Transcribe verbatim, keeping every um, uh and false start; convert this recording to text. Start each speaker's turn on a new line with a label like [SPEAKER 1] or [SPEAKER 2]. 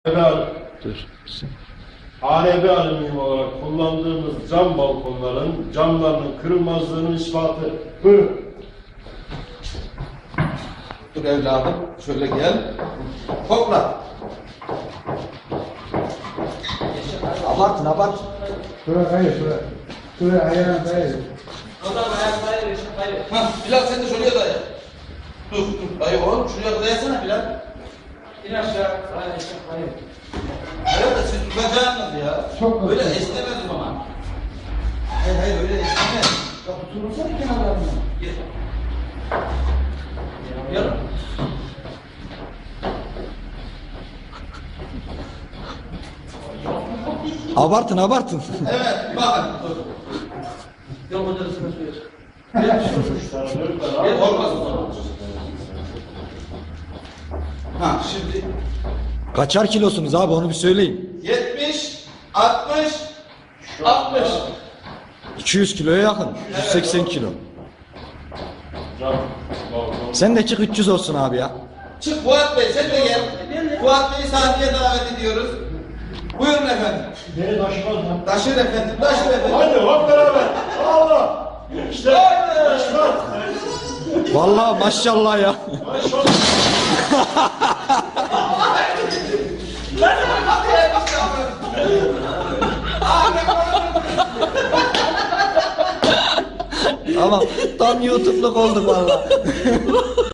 [SPEAKER 1] Dur.
[SPEAKER 2] A R B alüminyum olarak kullandığımız cam balkonların camlarının kırılmazlığının ispatı. Buyurun.
[SPEAKER 3] Dur evladım, şöyle gel. Topla. Abartın, abart.
[SPEAKER 4] Şuraya kayır, şuraya. Şuraya ayağına kayır.
[SPEAKER 5] Oradan ayak kayır, eşek kayır.
[SPEAKER 3] Hah, Bilal sen de şuraya daya. Dur, dur, dayı oğlum. Şuraya dayasana Bilal.
[SPEAKER 5] İn aşağı, kayır, eşek kayır.
[SPEAKER 3] Evet de siz tutacaksınız ya.
[SPEAKER 4] Çok
[SPEAKER 3] Böyle
[SPEAKER 4] güzel.
[SPEAKER 3] esnemez o zaman. Hayır hayır öyle esnemez. Ya tuturursana kenarlarına. Gel. Gel.
[SPEAKER 1] Abartın abartın.
[SPEAKER 3] Evet, bakın. Dur.
[SPEAKER 5] Yol hocasına söyle.
[SPEAKER 3] Gel, olmaz o zaman. Ha, şimdi
[SPEAKER 1] Kaçar kilosunuz abi onu bir söyleyin.
[SPEAKER 3] yetmiş, altmış, altmış.
[SPEAKER 1] iki yüz kiloya yakın. yüz seksen kilo.
[SPEAKER 2] Cam balkon.
[SPEAKER 1] Sen de çık üç yüz olsun abi ya.
[SPEAKER 3] Çık Fuat Bey, sen de gel. Fuat Bey'i sahneye davet ediyoruz. Buyurun efendim.
[SPEAKER 2] Beni taşımaz lan.
[SPEAKER 3] Taşır efendim, taşır efendim.
[SPEAKER 2] Hadi hop beraber. Allah. İşte taşımaz.
[SPEAKER 1] Vallahi maşallah ya.
[SPEAKER 2] Taşımaz.
[SPEAKER 1] Tamam tam YouTube'luk olduk vallahi.